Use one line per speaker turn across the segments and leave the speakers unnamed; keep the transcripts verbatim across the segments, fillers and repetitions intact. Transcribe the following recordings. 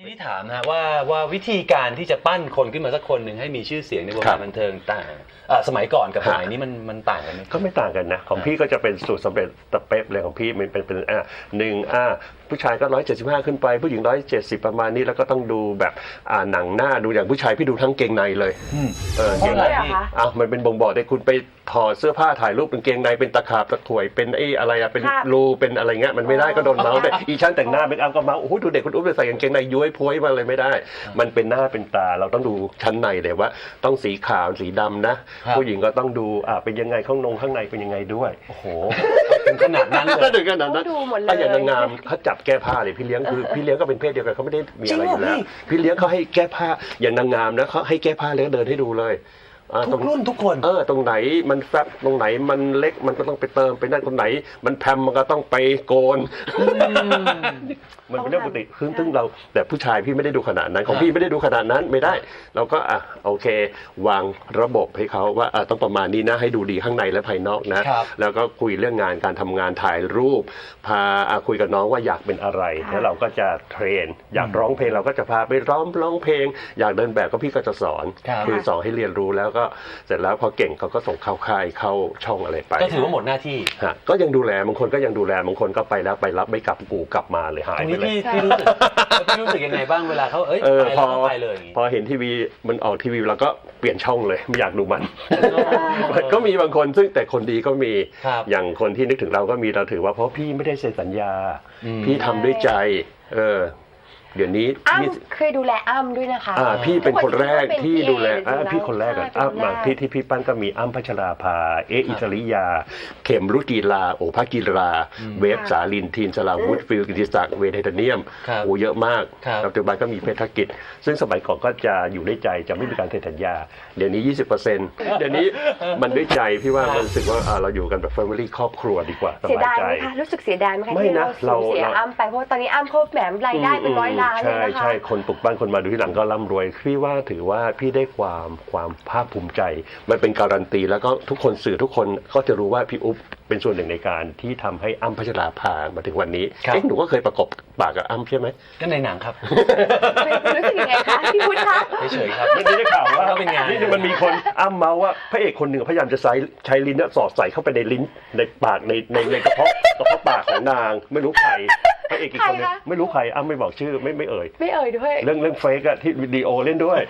พี่ถามนะว่าว่าวิธีการที่จะปั้นคนขึ้นมาสักคนหนึ่งให้มีชื่อเสียงในวงการบันเทิงต่างสมัยก่อนกับสมัยนี้มันมันต่างกันไหม
ก็ไม่ต่างกันนะของพี่ก็จะเป็นสูตรสำเร็จตะเป๊ะเลยของพี่มันเป็นเป็นอ่าหนึ่งอ่าผู้ชายก็ร้อยเจ็ดสิบห้าขึ้นไปผู้หญิงร้อยเจ็ดสิบประมาณนี้แล้วก็ต้องดูแบบอ่าหนังหน้าดูอย่างผู้ชายพี่ดูทั้งเกงในเลยเออเกงในอ้าวมันเป็นบ่งบอกได้คุณไปถอดเสื้อผ้าถ่ายรูปเป็นเกงในเป็นตะขาบตะข่วยเป็นไอ้อะไรอะเป็นรูเป็นอะไรเงี้ยมันไม่ได้ก็โดนเมาส์แต่อีช่างแต่งหน้าเป็นอัลก็เมาส์โอ้โหดูเด็กคุณอุ๊บใส่กางเกงในย้วยพ้วยมาเลยไม่ได้มันเป็นหน้าเป็นตาเราต้องดูชั้นในเลยว่าต้องสีขาวสีดำนะผู้หญิงก็ต้องดูอ่าเป็นยังไงข้างนงข้างในเป็นยังไงด้วย
โอ้โหถึงขนาดนั้นเลย
ถึงขนาดนั้นถ้าอย่างนางงามเขาจับแก้ผ้าเลยพี่เลี้ยงคือพี่เลี้ยงก็เป็นเพศเดียวกันเขาไม่ได้มีอะไรอยู่แล้วพี่เลี้ยงเขาให้แก้ผ้าอย่างนางงามนะเขาให้แก้ผ้าแล้วเดินให้ดูเลย
ทุกรุ่นทุกคน
เออตรงไหนมันแฟบตรงไหนมันเล็กมันก็ต้องไปเติมไปนั่นตรงไหนมันแพมมันก็ต้องไปโกนมันเป็นเรื่องปกติคือซึ่งเราแต่ผู้ชายพี่ไม่ได้ดูขนาดนั้นของพี่ไม่ได้ดูขนาดนั้นไม่ได้เราก็อ่ะโอเควางระบบให้เขาว่าอ่ะต้องประมาณนี้นะให้ดูดีข้างในและภายนอกนะแล้วก็คุยเรื่องงานการทำงานถ่ายรูปพาคุยกับน้องว่าอยากเป็นอะไรแล้วเราก็จะเทรนอยากร้องเพลงเราก็จะพาไปร้องร้องเพลงอยากเดินแบบก็พี่ก็จะสอนคือสอนให้เรียนรู้แล้วก็เสร็จแล้วพอเก่งเขาก็ส่งเข้าค่ายเข้าช่องอะไรไป
ก็ถือว่าหมดหน้าที่
ฮะก็ยังดูแลบางคนก็ยังดูแลบางคนก็ไปแล้วไปรับไม่กลับกูกลับมาเลยหายไปเลย
พี่รู้สึกพี่รู้สึกยังไงบ้างเวลาเขาเอ้ยไปแล้วไปเลย
พอเห็นทีวีมันออกทีวีเราก็เปลี่ยนช่องเลยไม่อยากดูมันก็มีบางคนซึ่งแต่คนดีก็มีอย่างคนที่นึกถึงเราก็มีเราถือว่าเพราะพี่ไม่ได้เซ็นสัญญาพี่ทำด้วยใจเออเดี๋ยวนี้
อ้ำเคยดูแลอ้ำด้วยนะคะ
อ่าพี่เป็นคนแรกที่ดูแลอ่าพี่คนแรกอ่ะอ้ำมาที่ที่พี่ปั้นก็มีอ้ำพัชราภาเออิสริยาเข็มรุจีลาโอภากีราเวฟสาลินทีนสลาวุฒิฟิลกิติศักดิ์เวทไทเทเนียมโอ้เยอะมากปัจจุบันก็มีเพชรกิจซึ่งสมัยก่อนก็จะอยู่ด้วยใจจะไม่มีการเซ็นสัญญาเดี๋ยวนี้ ยี่สิบเปอร์เซ็นต์ เดี๋ยวนี้มันด้วยใจพี่ว่ามันรู้สึกว่าเราอยู่กันแบบ family ครอบครัวดีกว่า
สบายใจรู้สึกเสียดายไหมคะที่เราเสียอ้ำไปเพราะตอนนี้อ้ำเขาแหมรายได้เป็นร้อยล้าน
ใช่ใช่คนปลุกปั้นคนมาดูที่หลังก็ร่ำรวยพี่ว่าถือว่าพี่ได้ความความภาคภูมิใจมันเป็นการันตีแล้วก็ทุกคนสื่อทุกคนก็จะรู้ว่าพี่อุ๊บเป็นส่วนหนึ่งในการที่ทำให้อ้ำพัชราภามาถึงวันนี้เอ๊ะหนูก็เคยประกบปากกับอ้ำใช่ไหม
ก็ในหนังครับ
รู้สึกยังไงคะพี่พุทธคะ
เฉยๆครับ
ไม่ได้ข่าวว่านี่มันมีคนอ้ำเมาว่าพระเอกคนหนึ่งพยายามจะใช้ใช้ลิ้นสอดใส่เข้าไปในลิ้นในปากในในในกระเพาะกระเพาะปากของนางไม่รู้ใครพระเอกอีกคนนึงไม่รู้ใครอ้ำไม่บอกชื่อไม่ไม่เอ่ย
ไม่เอ่ยด้วย
เรื่องเรื่องเฟกอะที่วิดีโอเล่นด้วย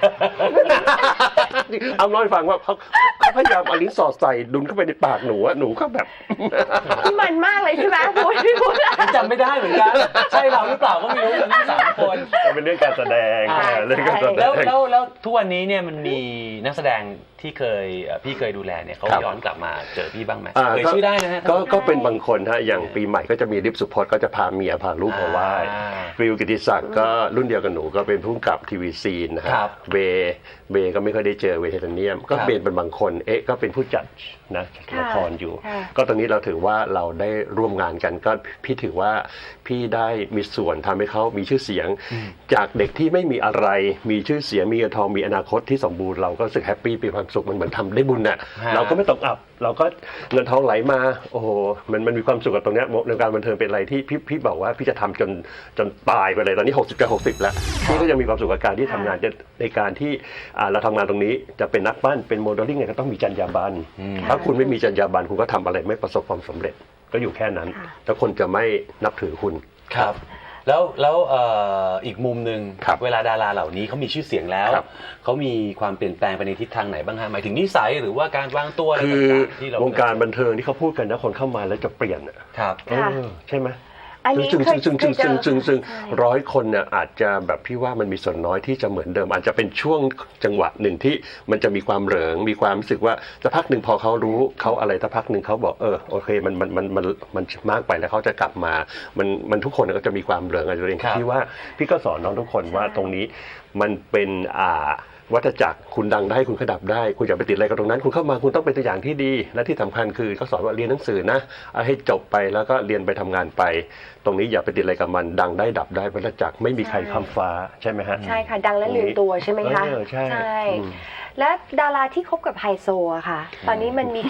อ้ำเล่าให้ฟังว่าเขาเขาพยายามเอาลิ้นสอดใส่ดุนเข้าไปในปากหนูอะหนูก็แบบ
ที่มันมากเลยใช่ไหมพูดพี่พูด
จำไม่ได้เหมือนกันใช่เราหรือเปล่าก็ไม่รู้ทั้งสามคน
เป็นเรื่องการแสดงเรื่องการแสดง
แล้วแล้วแล้วทุกวันนี้เนี่ยมันมีนักแสดงที่เคยพี่เคยดูแลเนี่ยเขาย้อนกลับมาเจอพี่บ้างไหมเคยชื่อได้นะฮะ
ก็ก็เป็นบางคนฮะอย่างปีใหม่ก็จะมีริบสุพจน์ก็จะพาเมียพาลูกมาไหว้ฟิลกิติศักดิ์ก็รุ่นเดียวกับหนูก็เป็นผู้กำกับทีวีซีนนะครับเบเบก็ไม่ค่อยได้เจอเวทไทเทเนียมก็เป็นเป็นบางคนเอ๊ะก็เป็นผู้จัดนะละครอยู่ก็ตอนนี้เราถือว่าเราได้ร่วมงานกันก็พี่ถือว่าพี่ได้มีส่วนทำให้เขามีชื่อเสียงจากเด็กที่ไม่มีอะไรมีชื่อเสียงมีเงินทองมีอนาคตที่สมบูรณ์เราก็รู้สึกแฮปปี้มีความสุขมันเหมือนทำได้บุญน่ะเราก็ไม่ตกอับเราก็เงินทองไหลมาโอ้โหมันมันมีความสุขกับตรงนี้ในการบันเทิงเป็นอะไรที่พี่พี่บอกว่าพี่จะทำจนจนตายไปเลยตอนนี้หกสิบกับหกสิบแล้วพี่ก็ยังมีความสุขกับการที่ทำงานจะในการที่เราทำงานตรงนี้จะเป็นนักปั้นเป็นโมเดลลิ่งเนี่ยก็ต้องมีจรรยาบรรณถ้าคุณไม่มีจรรยาบรรณคุณก็ทำอะไรไม่ประสบความสำเร็จก็อยู่แค่นั้นแล้วคนจะไม่นับถือคุณ
ครับแล้วแล้วอีกมุมหนึ่งเวลาดาราเหล่านี้เขามีชื่อเสียงแล้วเขามีความเปลี่ยนแปลงไปในทิศทางไหนบ้างฮะหมายถึงนิสัยหรือว่าการวางตัวอะไรต่างๆที่เรา
วงการบันเทิงที่เขาพูดกันนะคนเข้ามาแล้วจะเปลี่ยน
ครับ
ใช่ไหมซึ่งซึ่งซึ่งซึ่งซึ่งซึ่งซึ่งร้อยคนเนี่ยอาจจะแบบพี่ว่ามันมีส่วนน้อยที่จะเหมือนเดิมอาจจะเป็นช่วงจังหวะหนึ่งที่มันจะมีความเหลิงมีความรู้สึกว่าสักพักหนึ่งพอเขารู้เขาอะไรสักพักหนึ่งเขาบอกเออโอเคมันมันมันมันมันมากไปแล้วเขาจะกลับมามันมันทุกคนก็จะมีความเหลิงอะไรเองพี่ว่าพี่ก็สอนน้องทุกคนว่าตรงนี้มันเป็นอ่าวัฏจักรคุณดังได้คุณขดับได้คุณอย่าไปติดอะไรกับตรงนั้นคุณเข้ามาคุณต้องเป็นตัวอย่างที่ดีและที่สำคัญคือเขาสอนว่าเรียนหนังสือนะให้จบไปแล้วก็เรียนไปทำงานไปตรงนี้อย่าไปติดอะไรกับมันดังได้ดับได้วัฏจักรไม่มีใครข้ามฟ้าใช่ไหมฮะ
ใช่ค่ะดังและลืมตัวใช่ไหมคะ
ใช่
และดาราที่คบกับไฮโซอะค่ะตอนนี้มันมี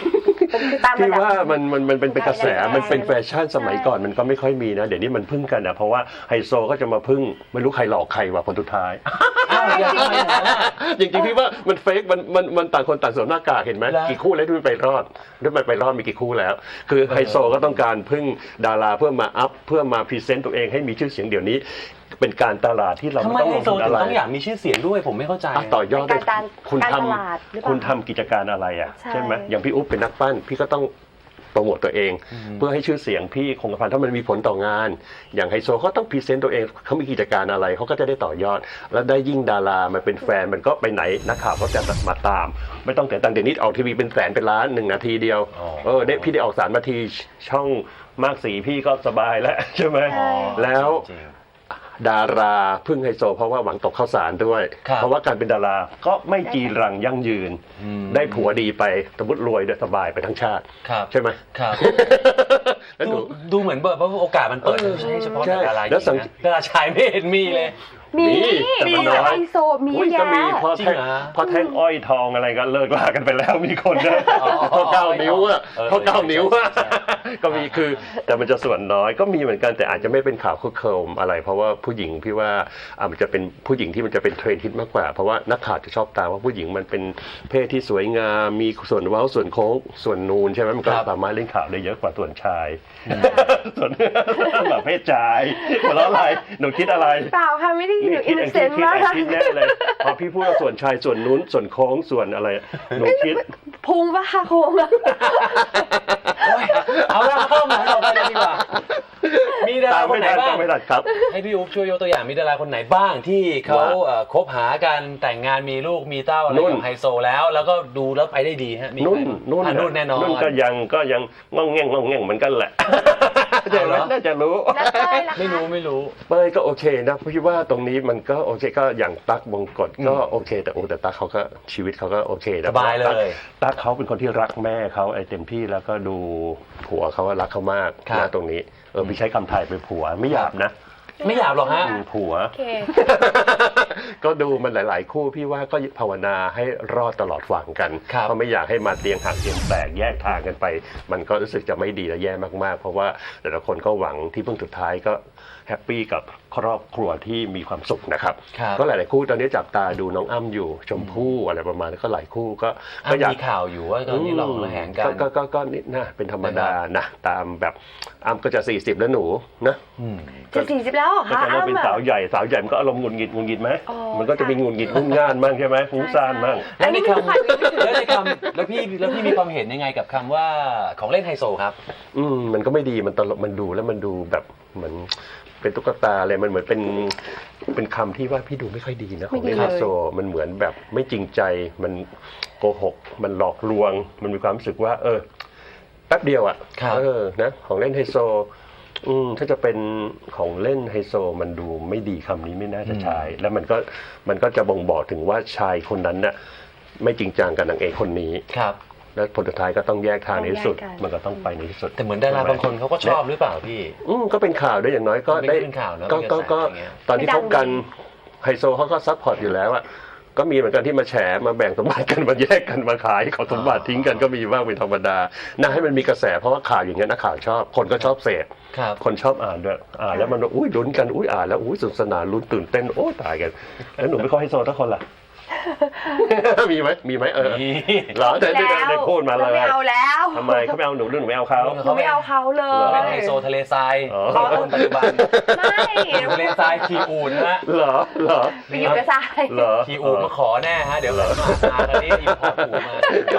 คือตาม
พี่
ระดับ
ว่ามันมันมันเป็นเป็นกระแส
แรงๆ
มันเป็นแฟชั่นสมัยก่อนมันก็ไม่ค่อยมีนะเดี๋ยวนี้มันพึ่งกันอ่ะเพราะว่าไฮโซก็จะมาพึ่งไม่รู้ใครหลอกใครว่ะคนสุดท้าย
อ้าวอย่างนั้นนะ
จริงๆพี่ว่ามันเฟกมันมันมันต่างคนต่างสวมหน้ากากเห็นไหม
แล้ว
กี่คู่แล้วที่มันไปรอดที่มันไปรอดมีกี่คู่แล้ว คือไฮโซก็ต้องการพึ่งดาราเพื่อมาอัพเพื่อมาพรีเซนต์ตัวเองให้มีชื่อเสียงเดี๋ยวนี้ เป็นการตลาดที่เรา
ทำไม
ไม่ต้อง
ไฮ
ลง
โซ
ทุน
ถึ
อะ
ง
ไร
ต้องอยากมีชื่อเสียงด้วยผมไม่เข้าใจ
อ่ะต่อยอด
เป็นการ
คุณ
การ
ท
ตลาดหรือเป
ำ
ล่า
คุณทำกิจการอะไรอ่ะ
ใช่
ใช่ไหมอย่างพี่อุ๊บเป็นนักปั้นพี่ก็ต้องโปรโมตตัวเอง เพื่อให้ชื่อเสียงพี่คงกระพันถ้ามันมีผลต่องาน อย่างไฮโซเขาต้องพรีเซนต์ตัวเองเขามีกิจการอะไรเขาก็จะได้ต่อยอด แล้วได้ยิ่งดารามาเป็นแฟนมันก็ไปไหนนักข่าวก็จะมาตาม ไม่ต้องแต่ตังค์เดี๋ยวนี้ออกทีวีเป็นแสนเป็นล้านหนึ่งนาทีเดียว
อ๋อ
เออได้พี่ได้ออกสารนาทีช่องมากสีพี่ก็สบายแล้วใช่ไหม
ใช่
แล้ว
จริง
ดาราพึ่งไฮโซเพราะว่าหวังตกข้าวสารด้วย
ครับ
เพราะว่าการเป็นดาราก็ไม่จีรังยั่งยืน
อืม
ได้ผัวดีไปสมมติรวยได้สบายไปทั้งชาติ
ครับ
ใช่ไหม
ครับ
แล้วห
ดู
นู
ดูเหมือนแบบว่าโอกาสมันเปิด
เออ
ใช่เฉพาะ
ใช่
ดาราหญิ
แล้วสัง
งนะดาราชายไม่เห็นมีเลย
มี
แต่
มี
มันน้อย
ไฮโซมี
อุ๊ย
แยะ
ก็มีพอ
จริง
แท่ง
เหรอ
พอแท่งอ้อยทองอะไรก็เลิกลากันไปแล้วมีคนนะ
อ๋อ
พอเก้านิ้วอะ
เออ
พอเก้านิ้วอะ
ใช่ใช่
ก็มีคือแต่มันจะส่วนน้อยก็มีเหมือนกันแต่อาจจะไม่เป็นข่าวคึกโครมอะไร เพราะว่าผู้หญิงพี่ว่าอ่ะมันจะเป็นผู้หญิงที่มันจะเป็นเทรนด์ฮิตมากกว่า เพราะว่านักข่าวจะชอบตามว่าผู้หญิงมันเป็นเพศที่สวยงามมีส่วนเว้าส่วนโค้งส่วนนูนใช่ไหมมันก็
ครับ
สามารถเล่นข่าวได้เยอะกว่าส่วนชาย ส่วนแบบเพศชายหัวเราะอะไรหนูคิดอะไร
เปล่าค่ะไม่ได้หนูอินโนเซนต์
คิด
มาก
แอนคิดแน่เลยพอพี่พูดว่าส่วนชายส่วนนู้นส่วนโค้งส่วนอะไรหนูคิด
พุงปะคะโค้งอะ
โอ๊ยเอาละเข้ามาเราไปเลยดีกว่า มีดารา
ตาม
คน
ไม่
ไหน
ทัน
บ้า
ตาง มไม่ทันครับ
ให้พี่อุ๊บช่วยยกตัวอย่างมีดาราคนไหนบ้างที่เขา
ว่า
เอ่อคบหากันแต่งงานมีลูกมีเต้าอะไร
นุ่น
กับไฮโซแล้ว แล้วก็ดูแล้วไปได้ดีฮะมี
นุ่น
ใครบ้าง
นุ่น
อ่ะนุ่นแน่นอน
นุ่นก็ยังก็ยังงองแงงงองแงงเหมือนกันแหละ
เอาเหรอ
น่าจะรู้
แล้วเต้ยล่ะคะ
ไม่รู้ไม่รู้
เป้ยก็โอเคนะพี่ว่าตรงนี้มันก็โอเคก็อย่างตั๊กบงกฎก็โอเค แต่โอ้แต่ตั๊กเขาก็ชีวิตเขาก็โอเคนะ
สบายเลย
ตั๊กเขาเป็นคนที่รักแม่เขาไอ้เต็มที่แล้วก็ดูผัวเขาว่ารักเขามาก
ครับ
นะตรงนี้เออพี่ใช้คำไทยเป็นผัวไม่หยาบนะ
ไม่อยากหรอกฮะ
อืมผัว
โอเค
ก็ดูมันหลาย ๆ คู่พี่ว่าก็ภาวนาให้รอดตลอดฝั่งกัน
ครับ
เพราะไม่อยากให้มาเตียงห่างเตียงแตกแยกทางกันไป มันก็รู้สึกจะไม่ดีและแย่มาก ๆ เพราะว่าแต่ละคนก็หวังที่พึ่งสุดท้ายก็แฮปปี้กับครอบครัวที่มีความสุขนะครับ
ครับ
ก็หลาย ๆ คู่ตอนนี้จับตาดูน้องอ้ำอยู่ชมพู่อะไรประมาณนั้นก็หลายคู่ก็
อ่ะ
ก็อยาก
มีข่าวอยู่ว่าตอนนี้หลอกระแหงกัน
ก็ก็ก็นี่นะเป็นธรรมดานะตามแบบอ้ำก็จะสี่สิบแล้วหนูนะ
อืม
จะสี่สิบแล้วเหรอ
ก็
คะ
จะเริ่มเป็น
อ้ำอะ
สาวใหญ่สาวใหญ่มันก็อารมณ์หงุดหงิดหงุดหงิดไหม
อ๋อ
มันก็จะมีหงุดหงิดงุ่นง่านบ้างใช่ไหมฟุ้งซ่านบ้าง
อันนี้ไม่รู้ค่ะ
แล้วในคำแล้วพี่แล้วพี่มีความเห็นยังไงกับคำว่าของเล่นไฮโซครับ
อืมมันก็ไม่ดีมันตลกมันดูแล้วมันดูแบบเหมือนเป็นตุ๊กตาอะไรมันเหมือนเป็นเป็นคำที่ว่าพี่ดูไม่ค่อยดีนะของ
ไม่ดี
เล่นไฮ
เลย
โซมันเหมือนแบบไม่จริงใจมันโกหก มันหลอกลวง มันมีความรู้สึกว่า เออแป๊บเดียวอ่ะ
ครับ
เออนะของเล่นไฮโซ อืมถ้าจะเป็นของเล่นไฮโซมันดูไม่ดีคำนี้ไม่น่าจะใช้แล้วมันก็มันก็จะบ่งบอกถึงว่าชายคนนั้นน่ะไม่จริงจังกับนางเอกคนนี้
ครับ
แล้วผลสุดท้ายก็ต้องแยกทางในที่สุด
ต้องแยกกัน
มันก็ต้องไปในที่สุด
แต่เหมือนดาราบางคนเขาก็ชอบหรือเปล่าพี่
อืมก็เป็นข่าวด้วยอย่างน้อยก็
เป็น
ได้
เป็นข่าวเนอะ
ก็
เป็นก
ก็
ระแส
ก็
อย่างเงี้ย
ตอนที่
ไม่ดั
พ
ง
บกัน
ดี
ไฮโซเขาก็ซัพพอร์ตอยู่แล้วอะก็มีเหมือนกันที่มาแฉมาแบ่งสมบัติกันมาแยกกันมาขายของสมบัติทิ้งกันก็มีบ้างเป็นธรรมดาน่าให้มันมีกระแสเพราะว่าข่าวอย่างเงี้ยนักข่าวชอบคนก็ชอบเสพ
ครับ
คนชอบอ่านด้วยอ่านแล้วมันอุ้ยลุ้นกันอุ้ยอ่านแล้วอุ้ยสนุกสนานลุ้นตื่นเต้นโอ้ตายกันแล้วหนูไม่ค่อยให้โซนทุกคนล่ะ มีไหมมีไหมเออ
มี
เหรอได้ได้ได้ได้พูดมาเลย
ไม่เอาแล้ว
ทำไมเขาไม่เอาหนูหรือหนูไม่เอาเขา
หนูไม่เอาเขาเล
เราเป็น
ย
ไฮโซทะเลทราย
อ๋อ
คนปัจจุบัน
ไม่
ทะเลทรายคีอูนฮะ
เหรอเหรอ
ไปอยู่กับทราย
เหรอ
คีอูนมาขอแน่ฮะเดี๋ยวเรามาหากันนี้อินพอร์ตอูมา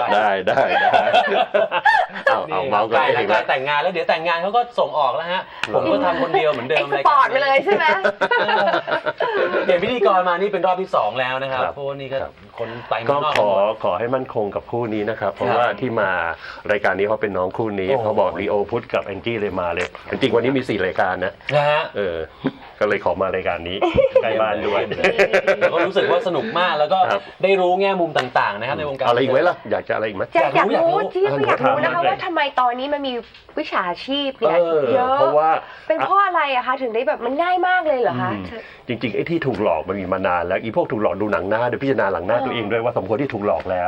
ได้ได้ได้เอาเอาเมาส์กัน
ใกล้
เอ
แล้ว
ง
ใกล้
นะ
แต่งงานแล้วเดี๋ยวแต่งงานเขาก็ส่งออกแล้วฮะผมก็ทำคนเดียวเหมือนเดิ
เอ็
ม
กซ์พอร์ตไปเลยใช่ไหม
เปลี่ยนพิธีกรมานี่เป็นรอบที่สองแล้วนะครับ
ครับ
เพราะว่านี่ก็
ครับ
คนไป
ก็
เมืองนอก
ขอ
หมด
ขอให้มั่นคงกับคู่นี้นะครับ เพราะ
ครับ
ว่าที่มารายการนี้เขาเป็นน้องคู่นี้
โอ้โห
เขาบอกลีโอพุทธกับแองจี้เลยมาเลยจริงๆวันนี้มีสี่รายการนะ
นะฮะ
เออ ก็เลยขอมารายการนี้ใกล้บ้านด้วย
แล้วก็รู้สึกว่าสนุกมากแล้วก็
ครับ
ได้รู้แง่มุมต่างๆนะครับในวงการ
อะไรอีกไหมล่ะอยากจะอะไรอีกไหม
อยากอยาก
อยากรู้
รู้ที่
อยากรู้
อยากรู้นะคะ
ถามมาเลย
ว่าทำไมตอนนี้มันมีวิชาชีพเนี่ย
เออ
เยอะ
เพราะว่า
เป็นเพราะอะไรอะคะถึงได้แบบมันง่ายมากเลยเหรอคะ
อืมจริงๆไอ้ที่ถูกหลอกมันมีมานานแล้วอีพวกถูกหลอกดูหนังหน้าโดยพิจารณาหลังหน้าตัวเองด้วยว่าสมควรที่ถูกหลอกแล้ว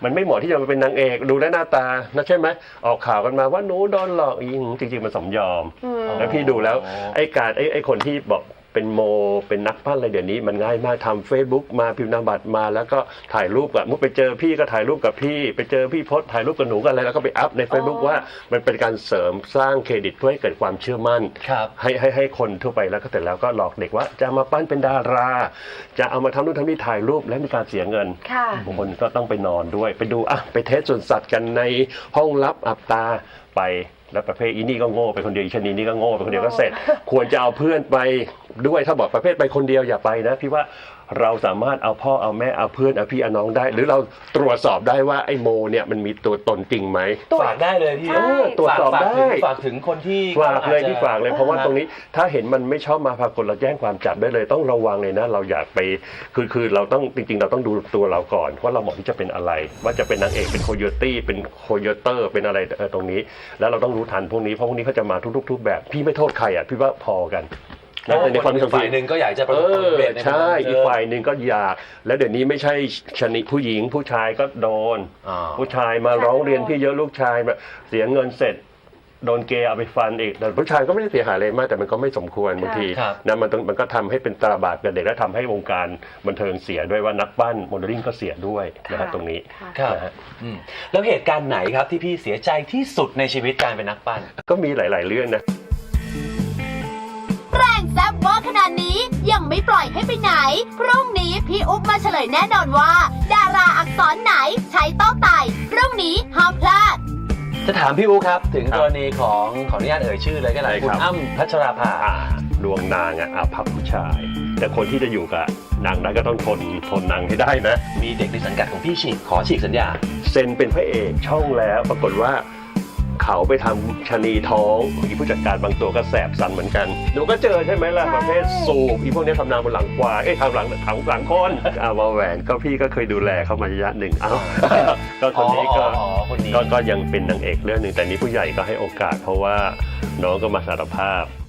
มันไม่เหมาะที่จะมาเป็นนางเอกดูแลวหน้าตานะใช่ไหมออกข่าวกันมาว่าหนูโดนหลอกอีจริงๆมันสมยอมแล้วพี่ดูแล้วไอ้การไอ้ไอ้คนที่บอกเป็นโมเป็นนักปั้นอะไรเดี๋ยวนี้มันง่ายมากทำ Facebook มาพิมพ์นามบัตรมาแล้วก็ถ่ายรูปกับมุดไปเจอพี่ก็ถ่ายรูปกับพี่ไปเจอพี่พจน์ถ่ายรูปกับหนูกันอะไรแล้วก็ไปอัพใน Facebook ว่ามันเป็นการเสริมสร้างเครดิตเพื่อให้เกิดความเชื่อมั่นให้ให้ให้คนทั่วไปแล้วก็เสร็จแล้วก็หลอกเด็กว่าจะมาปั้นเป็นดาราจะเอามาทำนู่นทำนี่ถ่ายรูปและมีการเสียเงินบางคนก็ต้องไปนอนด้วยไปดูอ่ะไปเทสส่วนสัตว์กันในห้องลับอับตาไปแล้วประเภทอีนี่ก็โง่ไปคนเดียวอีชนีนี่ก็โง่ไปคนเดียวก็เสร็จควรจะเอาเพื่อนไปด้วยถ้าบอกประเภทไปคนเดียวอย่าไปนะพี่ว่าเราสามารถเอาพ่อเอาแม่เอาเพื่อนเอาพี่เอาน้องได้หรือเราตรวจสอบได้ว่าไอ้โมเนี่ยมันมีตัวตนจริงไหม
ฝากได้เลยพี่
ตรวจสอบได้
ฝากถึงคนที่
ฝากเลยที่ฝากเลยเพราะว่าตรงนี้ถ้าเห็นมันไม่ชอบมาพากลเราแจ้งความจับได้เลยต้องระวังเลยนะเราอยากไปคือคือเราต้องจริงๆเราต้องดูตัวเราก่อนว่าเราเหมาะที่จะเป็นอะไรว่าจะเป็นนางเอกเป็นโคโยตี้เป็นโคโยเตอร์เป็นอะไรตรงนี้แล้วเราต้องรู้ทันพวกนี้เพราะพวกนี้เขาจะมาทุกๆทุกแบบพี่ไม่โทษใครอ่ะพี่ว่าพอกัน
แล้วในความเป็นฝ่ายหนึ่งก็อยากจะประสบความสำเร็จ
ใช่อีกฝ่ายหนึ่งก็อยากแล้วเดี๋ยวนี้ไม่ใช่ชนิดผู้หญิงผู้ชายก็โดนผู้ชายมาร้องเรียนพี่เยอะลูกชายแบบเสียเงินเสร็จโดนเกย์เอาไปฟันอีกแต่ผู้ชายก็ไม่ได้เสียหายอะไรมากแต่มันก็ไม่สมควรบางทีนะมันมันก็ทำให้เป็นตราบาปกับเด็กและทำให้วงการบันเทิงเสียด้วยว่านักปั้นโมเดลลิ่งก็เสียด้วยนะครับตรงนี้
ครับแล้วเหตุการณ์ไหนครับที่พี่เสียใจที่สุดในชีวิตการเป็นนักปั้น
ก็มีหลายๆเรื่องนะ
แรงแซ่บว่าขนาดนี้ยังไม่ปล่อยให้ไปไหนพรุ่งนี้พี่อุ๊บมาเฉลยแน่นอนว่าดาราอักษรไหนใช้เต้าไต่พรุ่งนี้ห้ามพลาด
จะถามพี่อุ๊บครับถึงกรณีของขออนุญาตเอ่ยชื่อเลยก็ได้คุณอ้ำพัชราภา
ดวงนางอ่ะอาภัพผู้ชายแต่คนที่จะอยู่กับนางนั้นก็ต้องทนทนนางให้ได้นะ
มีเด็กในสังกัดของพี่ฉีกขอฉีกสัญญา
เซ็นเป็นพระเอกช่องแล้วปรากฏว่าเขาไปทำชะนีท้องมีผู้จัดการบางตัวก็แสบสันเหมือนกันหนูก็เจอใช่ไหมล่ะประเภทสูบอีพวกนี้ทำนาบนหลังควายเอ้ยทำหลังถังหลังคนอาวาแหวนก็พี่ก็เคยดูแลเขามาระยะหนึ่งเอ้าก็คนนี้ก็ก็ก็ยังเป็นนางเอกเรื่องหนึ่งแต่นี้ผู้ใหญ่ก็ให้โอกาสเพราะว่าน้องก็มาสารภาพ